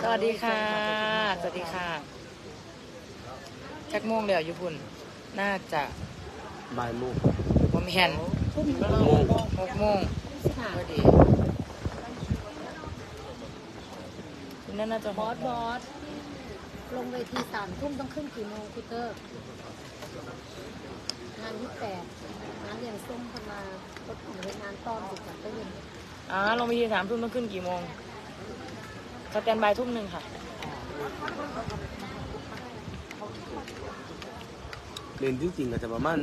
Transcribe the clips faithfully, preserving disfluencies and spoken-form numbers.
วัสดีค่ะสวัสดีค่ะจักโมงเดี๋ยวอยู่พุ่นน่าจะบ่ายโมงผมเห็นหกโมงหกโมงพอดีนั่นน่าจะบอสบอสลงเวทีสามทุ่มต้องขึ้นกี่โมงคุณเตอร์งานยี่แปดงานเลี้ยงส้มพมารถของเวงานต้อมสิบจากก็ยินอ๋อลงไปทีสามทุ่มต้องขึ้นกี่โมงสแตนบายทุ่มหนึ่งค่ะเรียนจริงๆก็จะประมาณ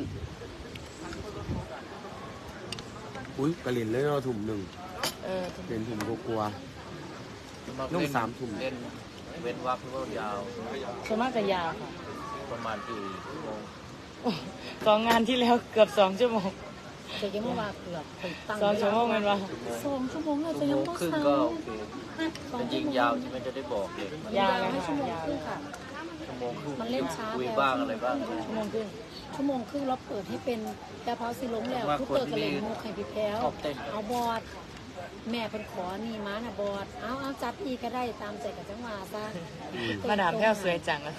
อุ้ยกระเรียนเลยเราถุ่มหนึ่งเออเรียนถุ่มกลัวนุ่งสามถุ่มเล่นเว้นวักก็ยาวส่วนมากจะยาวค่ะประมาณกี่ชั่วโมงสองงานที่แล้วเกือบสองชั่วโมงเจ๊ยังเมื่อวานเกือบสองชั่วโมงมันวะสองชั่วโมงเราจะยังต้องครึ่งก็โอเคมันยิงยาวใช่ไหมจะได้บอกเลยยาวเลยชั่วโมงครึ่งค่ะชั่วโมงครึ่งมันเล่นช้าคุยบ้างอะไรบ้างชั่วโมงครึ่งชั่วโมงครึ่งเราเปิดให้เป็นแต่พอสิล้มแล้วทุกเปิดกระเลงโมไข่พี่แพ้วเอาบอดแม่เป็นขอนี่ม้าน่ะบอดเอาเอาจัดอีกก็ได้ตามใจกับจังหวะซะมาดามแพ้วสวยจังเลย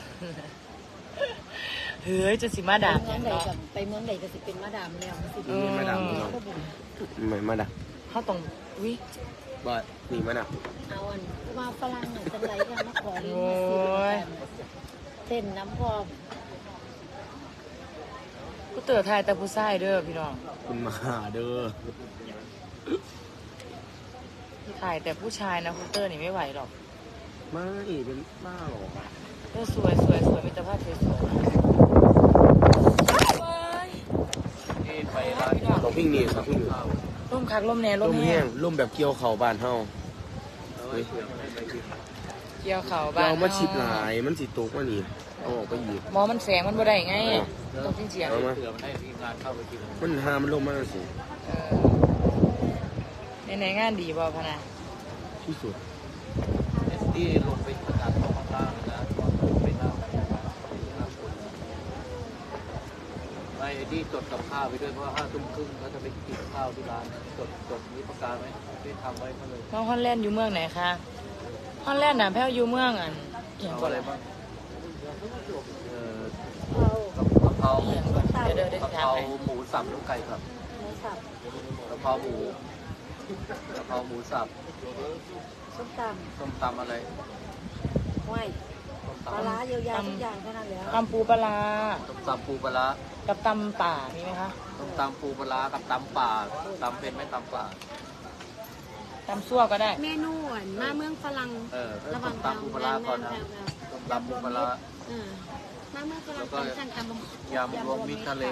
เฮ้ยจะสิมาดามเมืองใดกับไปเมืองใดก็สิเป็นมาดามแล้วสิเป็นมาดามเนาะไม่มาดามเขาต้องวิบอดนี่มาดามเอาอันว่าฝรั่งเนี่ยจะไหลกันมาขอเล่นมาสิเต้นน้ำพอกูเตือนไทยแต่ผู้ชายเด้อพี่น้องคุณมาเด้อถ่ายแต่ผู้ชายนะคุณเตอร์นี่ไม่ไหวหรอกไม่เป็นบ้าหรอเออสวยสวยสวยมีแต่ภาพสวยสวยไปร้านเขาพิ้งนี่เขาพิ้งร่มคักร่มแน่ร่มแห้งร่มแบบเกี่ยวเข่าบานเฮาเกี่ยวเข่าบานเรามาชิดหลายมันสีตกว่านี่เอาออกไปหยิบหมอมันแสงมันบ่ได้ไงต้องจริงจริงเอามาเผื่อมันให้ทีมงานเข้าไปกินมันหามันลงมาสิในในงานดีบ่พะนะที่สุดเอสตี้ลงไปประกาศข้างล่างนะไปนั่งไม่ไอ้ที่จดกับข้าวไปด้วยเพราะห้าทุ่มครึ่งเขาจะไปกินข้าวที่ร้านจดจดนี้ประกาศไหมได้ทำไว้เขาเลยน้องฮอลแลนด์อยู่เมืองไหนคะฮอลแลนด์น่ะแพ้วอยู่เมืองอันเอาอะไรบ้างเอ่อกะเพรากะเพราหมูสับลูกไก่ครับหมูสับกะเพราหมูกะเพราหมูสับส้มตำส้มตำอะไรห้วยปลาร้าเยอะๆทุกอย่างเท่านั้นแล้วตำปูปลาส้มตำปูปลากับตำป่ามีไหมคะส้มตำปูปลากับตำป่าตำเป็นไหมตำป่าตำซั่วก็ได้เมนูมาเมืองฝรั่งระหว่างตำปูปลาก่อนนะส้มตำปูปลามาเมืองฝรั่งสั่งตำยำรวมมิตรทะเล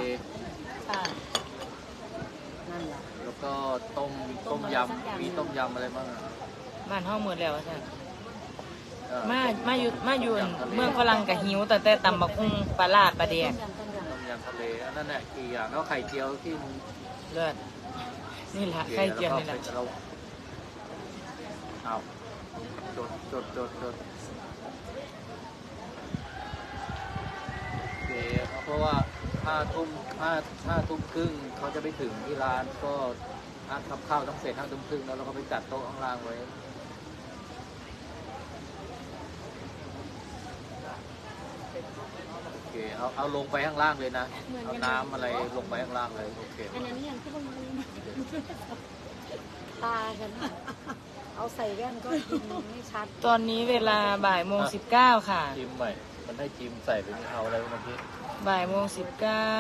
แล้วก็ต้มต้มยำมีต้มยำอะไรบ้างบ้านห้องหมดแล้วใช่มามาอยู่มาอยู่เมืองฝรั่งกับหิวแต่แต่ตำบักหุ่งปลาลาดปลาเดียต้มยำทะเลนั่นแหละกี่อย่างแล้วไข่เจียวที่เลิศนี่แหละไข่เจียวนี่แหละเอาจดจดจดจดโอเคเพราะว่าห้าทุ่มห้าห้าทุ่มครึ่งเขาจะไปถึงที่ร้านก็นัดทำข้าวต้องเสร็จห้าทุ่มครึ่งแล้วเราก็ไปจัดโต๊ะข้างล่างไว้โอเคเอาเอาลงไปข้างล่างเลยนะเอาน้ำอะไรลงไปข้างล่างเลยโอเคอันนั้นยังที่ต้องตากันเอาใส่แว่นก็ยินไม่ชัดตอนนี้เวลาบ่ายโมงสิบเก้าค่ะจิ้มใหม่มันให้จิ้มใส่ไปเอาอะไรเมื่อกี้บ่ายโมงสิบเก้า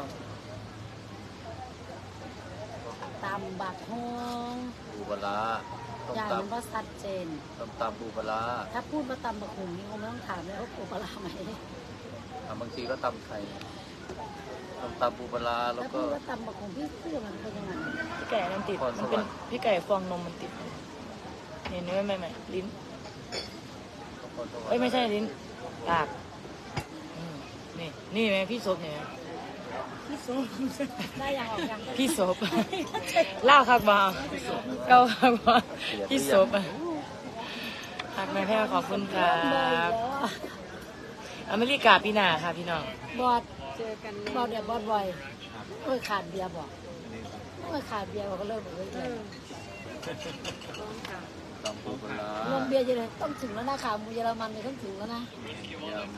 ตำบักฮงปูปลาอย่างมันก็ชัดเจนตำตำปูปลาถ้าพูดมาตำบักฮงนี่คงไม่ต้องถามเลยว่าปูปลาไหมบางทีก็ตำไข่ตำตำปูปลาแล้วก็ถ้าพูดว่าตำบักฮงพี่เพื่อมันเป็นยังไงพี่ไก่มันติดมันเป็นพี่ไก่ฟองนมมันติดเห็นไหมไม่ไม่ลิ้นเอ้ยไม่ใช่ลิ้นปากนี่นี่ไหมพี่ศพเนี่ยพี่ศพได้ยังออกยังพี่ศพเล่าคักบ่เก้าคักบ่พี่ศพหักแม่แพ้ขอบคุณครับอเมริกาปีหน้าค่ะพี่น้องบอดเจอกันบอดเดี๋ยวบอดบ่อยเอ้ยขาดเบียร์บอกเอ้ยขาดเบียร์บอกก็เริ่มเลยตำปูปลาลงเบียร์เยอะต้องถึงแล้วนะขาหมูเยอรมันเนี่ยต้องถึงแล้วนะยำ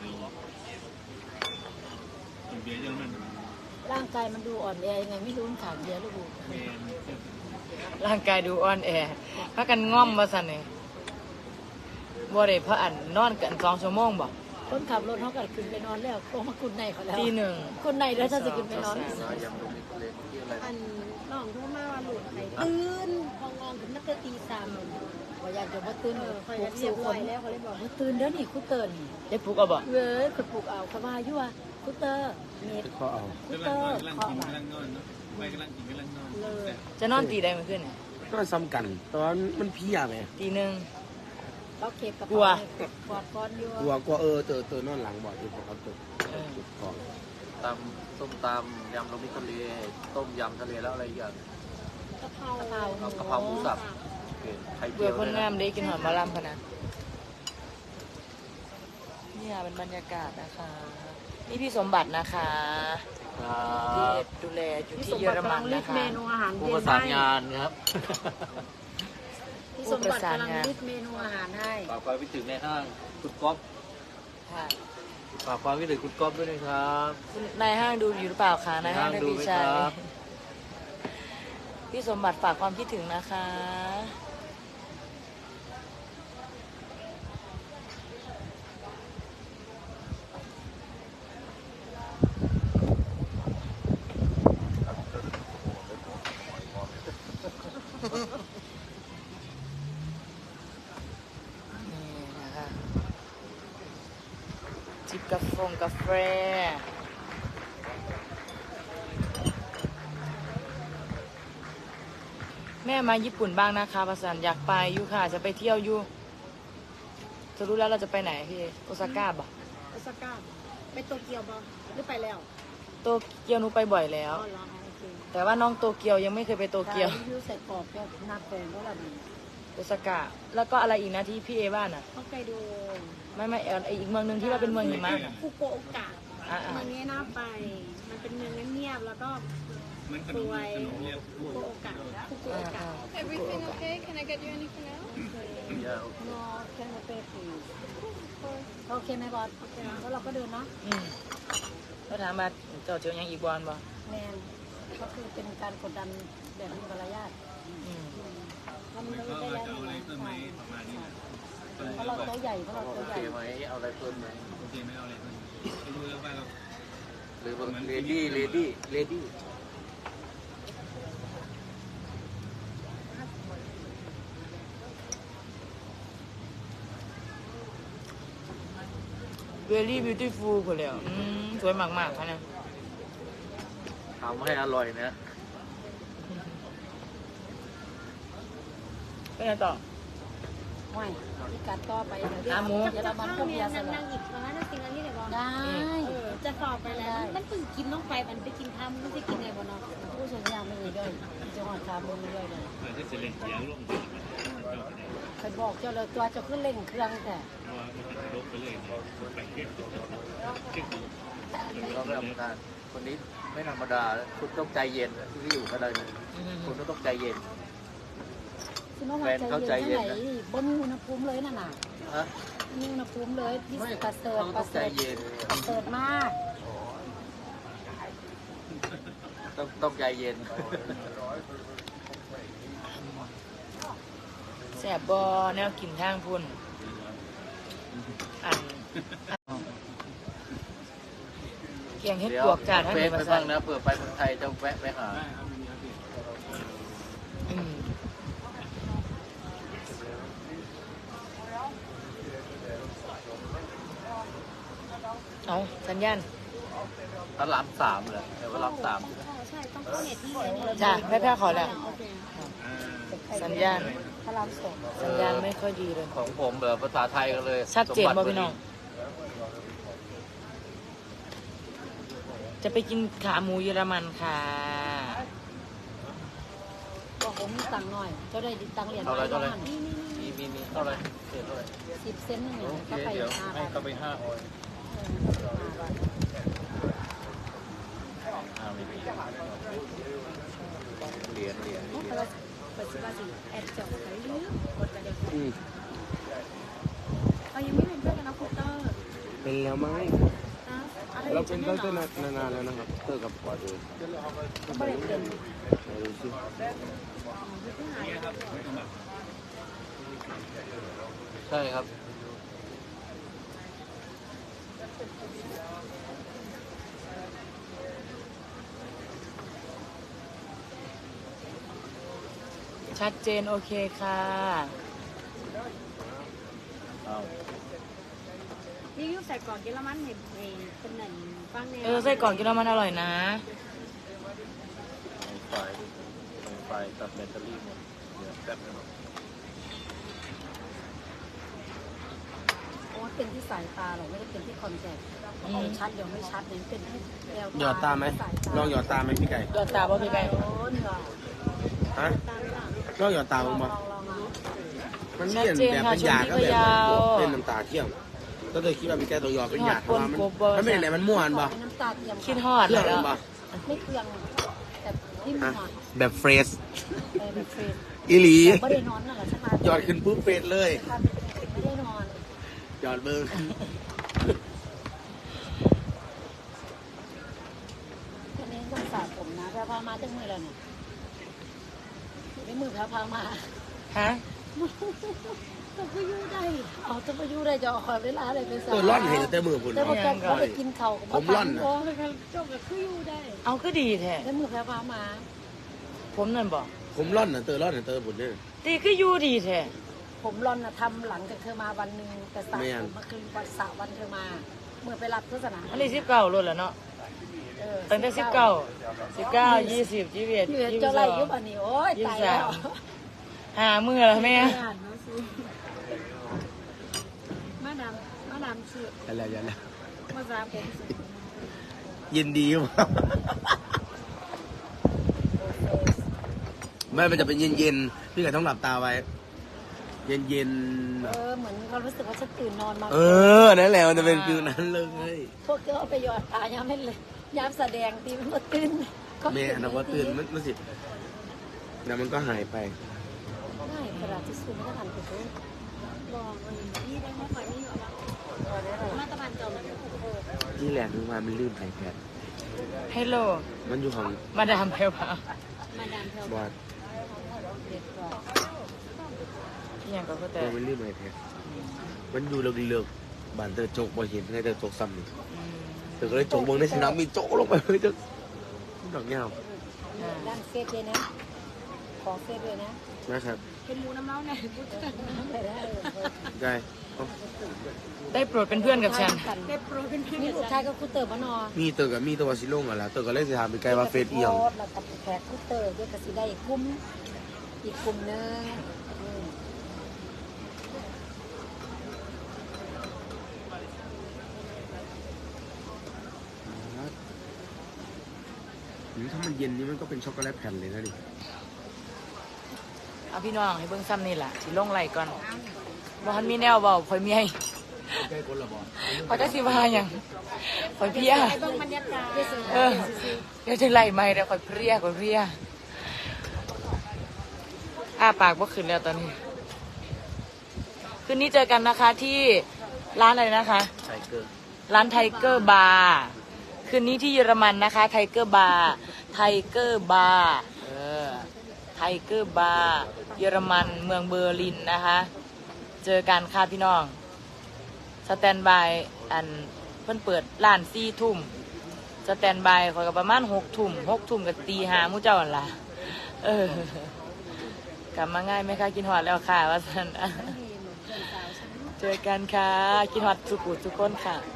เบียร์เยอรมันร่างกายมันดูอ่อนแอยังไงไม่รู้มันขาดเบียร์หรือเปล่าเบียร์ร่างกายดูอ่อนแอพากันง่อมมาสั่นนี่บ่ได้พระอันนอนกันสองชั่วโมงบ่คนขับรถเขาก็ขึ้นไปนอนแล้วโอ้มาคุณในเขาแล้วตีหนึ่งคุณในแล้วถ้าจะขึ้นไปนอนยำลูกมิทะเลที่อะไรอันน้องโทรมาว่าหลุดไข่ตื่นพององถึงนักเตะตีสามพออยากจะมาตื่นเอเอออคอยปลุกเรีสู่ยบคร้อยนแล้วเขาเลยบอกมาตื่นเดี๋ยวนี้คุเตือนได้ปลุกเอาบ่เว้ยคุณปลุกเอาเขาว่าอยู่ว่าคุเตอร์เน็ตเขาเอาคุกำเตลัอง ร์นอนกำลังเคาะกินมากำลังนอนเนาะไม่กำลังกินกำลังนอนเลยจะนอนตีได้เมื่อคืนนี่ก็ซ้ำกันแต่ว่ามันเพี้ยไหมตีหนึ่งเราเก็บกระกลัวเป๋ากอดก้อนอยู่กลัวกลัวเออเตอเตอนอนหลังบ่อยอยู่ผมเอาตัวจุดของตำส้มตำยำลูกมิทะเลต้มยำทะเลแล้วอะไรอีกอย่างกะเพรากะเพราเอากะเพราหมูสับโอเคไข่เจีเบื่อยวคนด้วยงานะมได้กินหอมมะลำพะนะเนี่ยเป็นบรรยากาศนะคะ นี่พี่สมบัตินะคะครัที่บดูแลอยู่พี่ที่สมเยบัอติรกำมัลันงรินะดคะเมนูอาหารผู้เย็ประนสานให้งานครับพี่สมบัติกำลังริดเมนูอาหารให้ฝากความคิดถึงในห้างคุณก๊อฟค่ะฝากความคิดถึงคุณก๊อฟด้วยนะครับคุณนายห้างดูอยู่หรือเปล่าคะนายห้างนายห้างได้ดูดีไหมชัยครับพี่สมบัติฝากความคิดถึงนะคะ นี่นะคะจิบกาแฟกาแฟแม่มาญี่ปุ่นบ้างนะคะประสันอยากไปอยู่ค่ะ จะไปเที่ยวอยู่จะรู้แล้วเราจะไปไหนพี่โอซาก้าบ่โอซาก้าไปโตเกียวบ่หรือไปแล้วโตเกียวหนูไปบ่อยแล้อ๋วอเหรอโอเคแต่ว่าน้องโตเกียวยังไม่เคยไปโตเกียวรีวิวใส่กรอบแค่หนักแปลงก็ละดีโอซาก้าแล้วก็อะไรอีกนะที่พี่เอบ้านอ่ะฮอกไกโดไม่ไม่เอออีกเมืองหนึ่งที่ว่าเป็นเมืองหิมะน่ะฟุกุโอกะอ่ะอ่ะเมืองนี้น่าไป มันเป็นเมืองเงียบๆแล้วก็มันขสนมวยขนมเรียบฟุกุโอกะฟุกุอ่าโอกะอ่า Everything okay? Can I get you anything else? อย่าโอเคนอแค่มาเปรีโอเคไหมบอสโอเคแล้วเราก็เดินเนาะอืมก็ถามมาเจ้าเจียวยังอีกบอลบ่แมนก็คือเป็นการกดดันแบบมีมารยาทอืมทำมันเลยก็ได้แล้วจะเอาอะไรเพิ่มไหมประมาณนี้นะเพราะเราตัวใหญ่เพราะเราโอตัวใหเคญ่ไหมเอาอะไรเพิ่มไหมโอเคไม่เอาอะไรเพิ่มไม่รู้แล้วว่าเราหรือว่าเลดี้เลดี้เลดี้เวลี่บิวตี้ฟูลคนเลยอืมสวยมากๆค่ะนะทำให้อร่อยนะไปไหนต่อห้อยที่การต่อไปเดี๋ยวอ่ะหมูเดี๋ยวเรามันก็เบียร์สนั่งลันั่ดงหยิบมานั่งกินอันนี้เลยบ่ได้เออจะสอบไปแล้ว มันเพิ่งกินต้องไปมันไปกินข้าวมันไม่ได้กินอะไรบ่เนาะผู้ชมยางไม่มีด้วยจะหอดขามือไม่ด้วยเลยเปิดให้เสร็จเลยเสียงลงไปจบเลยเคยบอกเจ้าเลยตัวจะขึ้นเร่งเครื่องแต่เพราะว่ามันจะลบไปเลยไปเก็บเราไม่ธรรมดาคนนี้ไม่ธรรมดา คุณต้องใจเย็นที่อยู่ก็ได้นะคุณต้องใจเย็นซึ่งเมื่อวานใจเย็นแค่ไหนบนอุณหภูมิเลยน่ะน่ะฮะมีอุณหภูมิเลยที่ไม่ประเสริฐเขาปต้อระงเสใจริฐเย็นประเสริฐมากต้องต้องใจเย็นแสบบอแนวกินทางพุ่นอันอันเกียงเฮ็ดเดี๋ยวปวกจ่าท่านเฟไหนซไปมาบ้าสั่งนนะเผื่อไปเมืองไทยจะแวะไปหาได้ครับมีครับพี่อืมเอาสัญญาณพระรามสามเหรอแต่ว่าพระรามสามใช่ต้องเข้าเน็ตที่เลยจ้ะแม่แพ้ขอแล้วโอเคอ่าสัญญาณพระรามสองสัญญาณไม่ค่อยดีเลยของผมเหรอภาษาไทยกันเลยชัดเจนสมบ่บัติพี่น้อง จะไปกินขาหมูเยอรมันค่ะบอกผมตังค์หน่อยเจ้าได้ตังค์เหรียญเท่าไหรเท่าไหรนี่นี่มีมีมีเท่าไหรเศษเท่าไหรสิบเซนต์หนึ่งโอเคก็ไปเดี๋ยวห้าให้บาทเขาไปห้าออยห้าบาทอ่ามีเหรียญเหรียญโอ้แต่ละเปิดสิบาสิแอดจอกไปเรื่อยกดไปเดี๋ยวอืมเรายังไม่เป็นเพื่อนกันนะคุณเตอร์เป็นแล้วไหมนะอะไรเราเป็นตั้งแต่นานๆแล้วนะครับเตอร์กับปอดเลยก็ไม่ได้เป็นไหนดูสิใช่ครับชัดเจนโอเคค่ะนี่ยูใส่กล่องเยอรมันเห็นเองเป็นหนึ่งฟังเนี่ยเออไส้กรอกกินแล้วมันอร่อยนะไฟไฟตัดแบตเตอรี่หมดเดี๋ยวแป๊บนึงเพราะว่าเป็นที่สายตาหรอกไม่ได้เป็นที่คอนแทคอืมชัดเดี๋ยวไม่ชัดเนี่ยเป็นที่แววหยอดตาไหมลองหยอดตาไหมพี่ไก่ยอดตาบ่พี่ไก่โอ้ยเหรอฮะลองหยอดตาลบ้าอง งบ่ลองลองลองมันเปลี่ยนแบบเป็นยาก็แบบเป็นน้ำตาเที่ยงก็เลยคิดว่าพี่ไก่ตัวหยอดเป็นยาเพราะว่ามันมันไม่ได้ไหนมันม่วนบ่เป็นน้ำตาเทียมคิดฮอดเที่ยงแล้วบ่ไม่เครื่องแต่ที่มีอ่ะหอดแบบเฟรชเออแบบเฟรนอีหลีไม่ได้นอนน่ะเหรอใช่ไหมหยอดขึ้นปุ๊บเฟรชเลยไม่ได้นอนหยอดเบิ้งอันนี้ต้องสระผมนะแพรพามาจังมือแล้วเนี่ยไม่มือแพรพามาฮะจะไปยู่ได้เอาจะไปยู่ได้จะเอาเวลาอะไรไปสระตัวร่อนเห็นแต่มือคุณแต่พอแกเขาไปกินเขาผมร่อนน่ะจบกับคืออยู่ได้เอาก็ดีแท้แล้วมือแพรพามาผมนั่นบอกผมร่อนน่ะเตอร่อนน่ะเตอบุญเนี่ยตีก็อยู่ดีแท้ผมรอนนะทำหลังจากเธอมาวันหนึ่งแต่สระไม่อ่ะผมมาคืนวันสระวันเธอมา เมื่อไปรับโฆษณาอันนี้สิบเก้ารถแล้วเนาะเออตั้งแต่สิบเก้าสิบเก้ายี่สิบยี่สิบเอ็ดอยู่ยี่สิบเจ้าสไรองยุบอันนี้โอ้ยตายแล้วหามือแล้วแม่มาดามมาดามชื่ออะไรอย่างเงี้ยมาสาผมยินดีมากไม่มันจะเป็นเย็นๆพี่ไก่ต้องหลับตาไว้ เย็นเออเหมือนเขารู้สึกว่าฉันตื่นนอนมาๆเออนั่นแหละมันจะเป็นฟิลนั้นเลยพวกเธอเอาไปหยอดตาย้ำไม่เลยย้ำแสดงตีมันก็ตื่นแม่อันนั้นว่าตื่นมันมันสิแล้วมันก็หายไปง่ายกระดาษที่สูงไม่ทันไปเลยบอกเลยนี่ได้มาฝ่ายนี่อยู่แล้วมาตะบันจอมเลยที่แหลกนึกว่ามันลื่นไอแพดฮัลโหลมันอยู่ของมาดามเพลวามาดามเทลบอดเด็ดกว่าอหย่างก็ก็แต่ตัวมันลื่นไอแพดมันอยู่เลิกๆบ้านเตอโจกบ่เห็นไงเตอโจกซ้ำนี่อืมเตอก็เลยโจกเบิ่งในสนามมีโจกลงไปเลยจะดอกเงาอ่าด้านเฟซเลยนะ ขอเฟซด้วยนะนะครับเป็นหมูน้ำเล้าเนี่ยพูดกันได้ได้ได้ได้โปรดเป็นเพื่อนกับฉันได้โปรเป็นขึ้นนี่กับลูกฉัชายนก็คูเตอร์มานอมีเตอกับมีตัวซิลงอ่ะแล้วเตอก็เลยสิถามไปไกลว่าเฟซเอียงแล้วกับแขกคูเตอร์ด้วยกับสิได้อีกกลุ่มอีกกลุ่มหนึงอืมหรือถ้ามันเย็นนี่มันก็เป็นช็อกโกแลตแผ่นเลยนะดิเอาพี่น้องให้เบิ่งซ้ำนี่แหละสิลงไหลก่อนบ่ทันมีแนวเบาคอยเมียใกล้คนละบอเขาจะสิว่าหยังคอยเพลียไอ้เบิ่งบรรยากาศเออเดี๋ยวจะไล่ไม่เดี๋ยวคอยเพลียคอยเพลียอ้าปากบ่ขึ้นแล้วตอนนี้ คืนนี้เจอกันนะคะที่ร้านอะไรนะคะไทเกอร์ร้านไทเกอร์บาร์คืนนี้ที่เยอรมันนะคะไทเกอร์บาร์ไทเกอร์บาร์เออไทเกอร์บาร์เยอรมันเมืองเบอร์ลินนะคะ เจอกันค่ะพี่น้องสแตนบายอันเพิ่นเปิดร้านสี่ทุ่มสแตนบายคอยกับประมาณหกทุ่มหกทุ่มกับตีหามู่เจ้าอันละเออกลับมาง่ายไหมคะกินหอดแล้วค่ะว่าสันเจอกันค่ะกินหอดสุกุทุกคนค่ะ